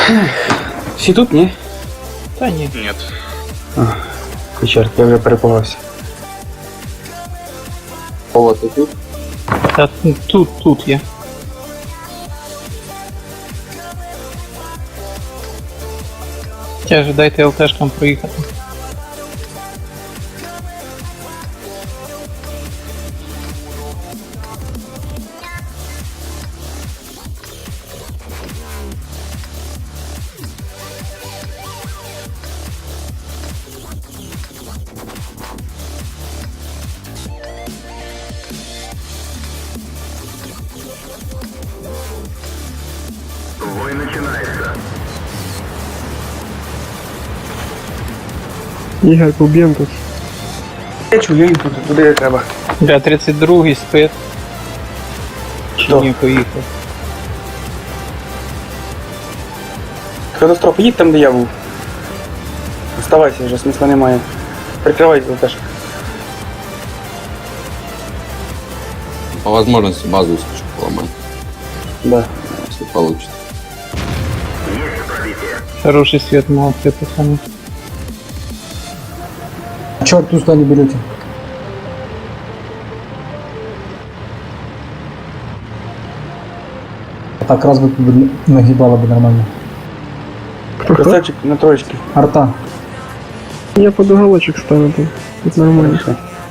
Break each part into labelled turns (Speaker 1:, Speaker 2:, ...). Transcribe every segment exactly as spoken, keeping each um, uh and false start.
Speaker 1: Всі тут, ні?
Speaker 2: Та ні.
Speaker 3: Нет.
Speaker 1: А, чорт, я вже перепугався. О, ти тут?
Speaker 2: Та тут, тут є. Тяже, дайте ЛТшкам проїхати.
Speaker 4: Бой начинается.
Speaker 5: Ігор, поб'єм тут.
Speaker 1: Я чую, їм тут, туди як треба.
Speaker 2: Бля, тридцять другий спит.
Speaker 1: Що?
Speaker 2: Ні, поїхав.
Speaker 1: Катастрофа, їдь там, де я був. Оставайся вже, смисла немає. Прикривайся теж.
Speaker 6: По возможности базу искать поломать,
Speaker 1: Да.
Speaker 6: если получится.
Speaker 4: Есть пробитие.
Speaker 2: Хороший свет, молодцы, пацаны.
Speaker 7: А чё туда не берете? Так раз бы нагибало бы нормально.
Speaker 5: Хто хто?
Speaker 1: Красавчик на троечки.
Speaker 7: Арта.
Speaker 5: Я под уголочек ставлю тут. Тут нормально.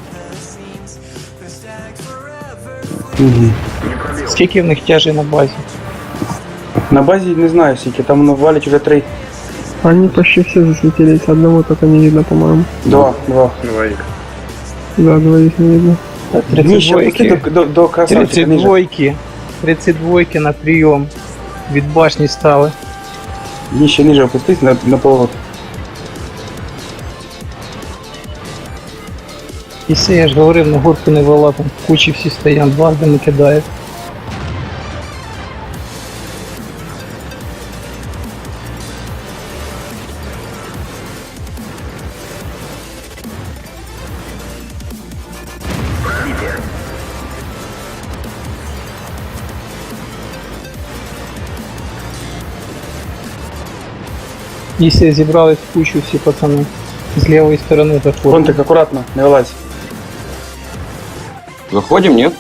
Speaker 1: Угу.
Speaker 2: Скільки в них тяжей на базі?
Speaker 1: На базі не знаю скільки, там воно валять вже три.
Speaker 5: Они почти все засветились, одного только не видно, по-моему.
Speaker 1: Два, два.
Speaker 3: Двоих.
Speaker 5: Да, двоих не видно.
Speaker 1: Ніще, опусти до, до, до красавчика
Speaker 2: тридцять
Speaker 1: ниже.
Speaker 2: двойки. тридцять двойки на прийом. Від башні стали.
Speaker 1: Ніще ниже опустись на, на поворот.
Speaker 2: І все, я ж говорив, на горку не вела, там в кучі всі стоять, дважди не кидають. Якщо зібрались в кучу всі пацани, з лівої сторони заходять.
Speaker 1: Фронтик, акуратно, не вилазь.
Speaker 6: Заходим, нет?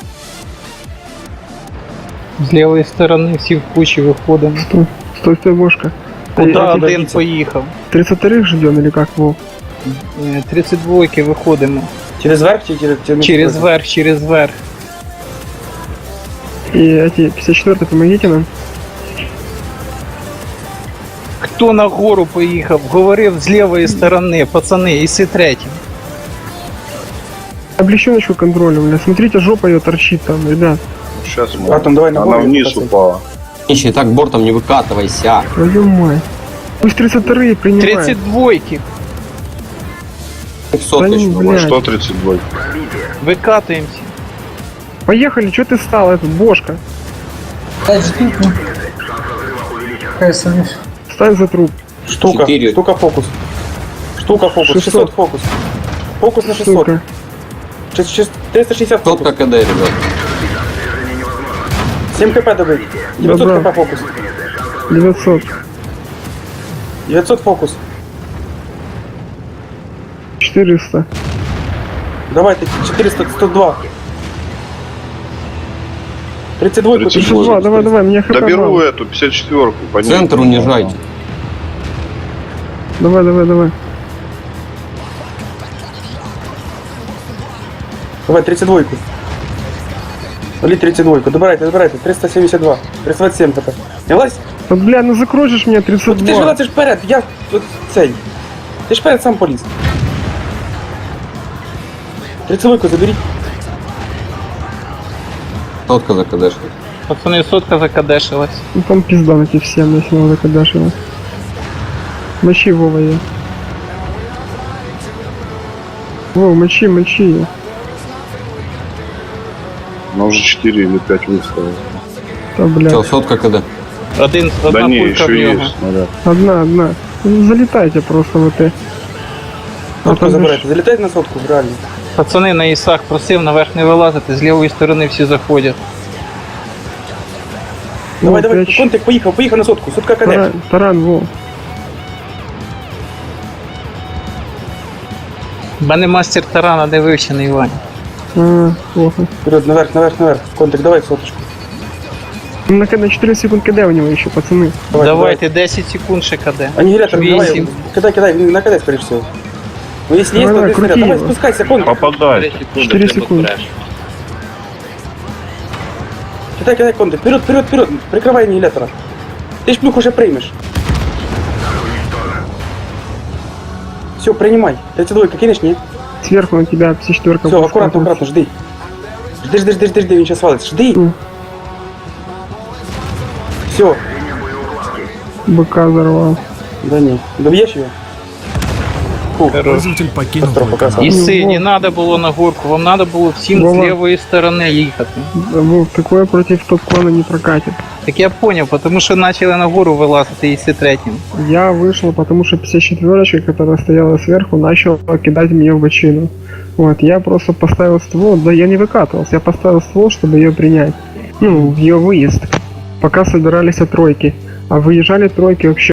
Speaker 2: З лівої сторони всі в кучі виходимо.
Speaker 5: Стой, стой, стой, Бошка.
Speaker 2: Куди
Speaker 5: Эй,
Speaker 2: один
Speaker 1: дивіться.
Speaker 2: поїхав?
Speaker 5: тридцать вторых ждем или как, Вов?
Speaker 2: Е, тридцять двойки виходимо.
Speaker 1: Через верх чи через... Через,
Speaker 2: Через верх, через верх.
Speaker 5: И эти пятьдесят четвёртый, помогите нам.
Speaker 2: Хто на гору поїхав? Говорив з лівої сторони, пацани, і си третім.
Speaker 5: Облегченочку контролем, бля. Смотрите, жопа ее торчит там, ребят.
Speaker 3: Сейчас
Speaker 1: Атом, давай на
Speaker 3: она
Speaker 1: бой.
Speaker 3: вниз упала.
Speaker 6: Ищи, так бортом не выкатывайся.
Speaker 5: Твою мать. Пусть тридцать вторые принимают.
Speaker 2: тридцать двойки.
Speaker 6: Сотка
Speaker 5: Да
Speaker 6: еще
Speaker 5: не,
Speaker 6: бывает.
Speaker 5: бля.
Speaker 3: Что тридцать два?
Speaker 2: Викатуємося.
Speaker 5: Поехали, что ты стал, этот, Бошка?
Speaker 7: Опять же тут, ну. Какая сомневаюсь.
Speaker 5: Стань за труп.
Speaker 1: Штука,
Speaker 6: Четыре.
Speaker 1: штука фокус. Штука фокус,
Speaker 5: шестьсот.
Speaker 1: шестьсот фокус. Фокус на шестьсот.
Speaker 5: Сука.
Speaker 1: Шесть- шесть- триста шестьдесят фокус.
Speaker 6: Сотка КД, ребят.
Speaker 1: семь хп добыть. девятьсот
Speaker 5: Добра.
Speaker 1: хп фокус.
Speaker 5: девятьсот.
Speaker 1: девятьсот фокус.
Speaker 5: четыреста.
Speaker 1: Давайте четыреста, сто два. тридцать два.
Speaker 3: тридцать
Speaker 5: тридцать два, давай, давай, мне хп
Speaker 3: Доберу
Speaker 5: мало.
Speaker 3: эту пятьдесят четвёрку. по ней.
Speaker 6: Центр унижайте.
Speaker 5: Давай, давай, давай.
Speaker 1: Давай, тридцать два. Вали тридцать два. Добирайте, добирайте. триста семьдесят два. триста двадцать семь хп. Не лазь?
Speaker 5: Да, бля, ну закружишь меня тридцать
Speaker 1: От ти ж
Speaker 5: два.
Speaker 1: вилазиш вперед, я от цей. Ти ж вперед сам поліз. тридцать два заберіть.
Speaker 6: Сотка за КД.
Speaker 2: Пацани, сотка закадешилась.
Speaker 5: Ну там пизда на тебе всем, если надо кадашево. Мочи, Вова, я. Вова, мочи, мочи я.
Speaker 3: Она уже четыре или пять выставила.
Speaker 5: Да, бля.
Speaker 6: Все, сотка КД.
Speaker 2: Один,
Speaker 3: Да
Speaker 2: одна
Speaker 3: не,
Speaker 2: пулька в
Speaker 3: еще
Speaker 2: нього.
Speaker 3: есть. снаряд.
Speaker 5: Одна, одна. Ну, залетайте просто в это.
Speaker 1: Сотку
Speaker 5: там
Speaker 1: забирайте. Залітайте на сотку, реально.
Speaker 2: Пацани, на ісах просив наверх не вилазити, з лівої сторони всі заходять.
Speaker 1: Давай,
Speaker 5: Во,
Speaker 1: давай,
Speaker 5: пять.
Speaker 1: контик, поїхав, поїхав на сотку, сотка КД.
Speaker 5: Таран, таран, во.
Speaker 2: У мене мастер тарана не вивчений, Ваня.
Speaker 5: А, плохо.
Speaker 1: Вперед, наверх, наверх, наверх. Контик, давай соточку.
Speaker 5: Ну, на, на четыре секунд КД у него еще, пацаны.
Speaker 1: Давай,
Speaker 2: Давайте десять секунд ще КД.
Speaker 1: Аннигилятор, давай,
Speaker 2: Вісім.
Speaker 1: кидай, кидай, він на КД, скорее всего. Ну, если есть,
Speaker 5: Давай,
Speaker 1: то
Speaker 5: давай,
Speaker 1: ты снаряд.
Speaker 5: крути
Speaker 1: Давай,
Speaker 5: его.
Speaker 1: спускайся, контик.
Speaker 3: Попадай.
Speaker 5: четыре секунды.
Speaker 1: Кидай, кидай, контик. Вперед, вперед, вперед. Прикрывай аннигилятора. Ты ж плюх уже приймеш. Все, принимай. тридцать два, кинешь, не?
Speaker 5: Сверху на тебя пси четыре.
Speaker 1: Все, аккуратно, аккуратно, жди. Жди, жди, жди, жди, жди, він сейчас валится. Жди.
Speaker 5: М.
Speaker 1: Все.
Speaker 5: Быка взорвал.
Speaker 1: Да не. Добьешь ее? Фу,
Speaker 8: Пользователь покинул
Speaker 1: катастрофа,
Speaker 8: твой канал.
Speaker 1: красава.
Speaker 2: Іси,
Speaker 5: Вова.
Speaker 2: не надо було на горку, вам надо було всім
Speaker 5: Вова.
Speaker 2: з лівої сторони їхати.
Speaker 5: Вов, такое против топ-клана не прокатит.
Speaker 2: Так я поняв, тому що почали на гору вилазити Іси третім.
Speaker 5: Я вышел, потому что пятьдесят четверочка, которая стояла сверху, начала кидать мне в бочину. Вот, я просто поставил ствол, да я не выкатывался, я поставил ствол, чтобы ее принять. Ну, в ее выезд. Пока собирались от тройки. А выезжали тройки вообще